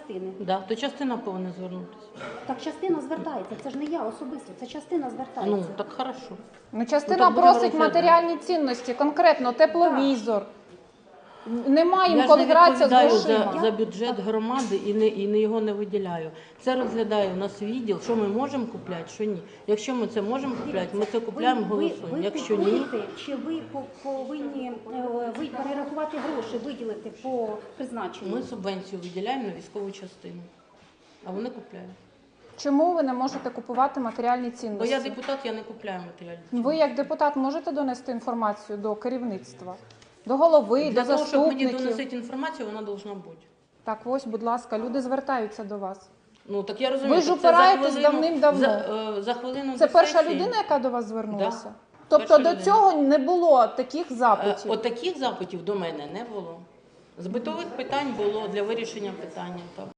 частини. Да, то частина повинна звернутися. Так частина звертається, це ж не я особисто, це частина звертається. Ну, так хорошо. Ну, частина Ну, так будемо просить розглядати. матеріальні цінності, конкретно тепловізор. Немає їм Я ж коли не гратися з відповідаю грошима. за бюджет громади і його не виділяю. Це розглядає у нас відділ, що ми можемо купляти, що ні. Якщо ми це можемо купляти, ми це купляємо, голосуємо. Ви Якщо ні, купуєте, чи ви повинні ви перерахувати гроші, виділити по призначенню? ми субвенцію виділяємо на військову частину, а вони купляють. Чому ви не можете купувати матеріальні Бо цінності? я депутат, я не купляю матеріальні. Ви як депутат можете донести інформацію до керівництва, до голови, Для до того, щоб мені заступників? доносити інформацію, вона повинна бути. Так ось, будь ласка, люди звертаються до вас. Ну, так я розумію, Ви ж що це за упираєтесь хвилину- давним-давно. За хвилину Це до перша сесії. людина, яка до вас звернулася? Да. Тобто Перша до людина. цього не було таких запитів? От таких запитів до мене не було. З битових питань було для вирішення питання. Так.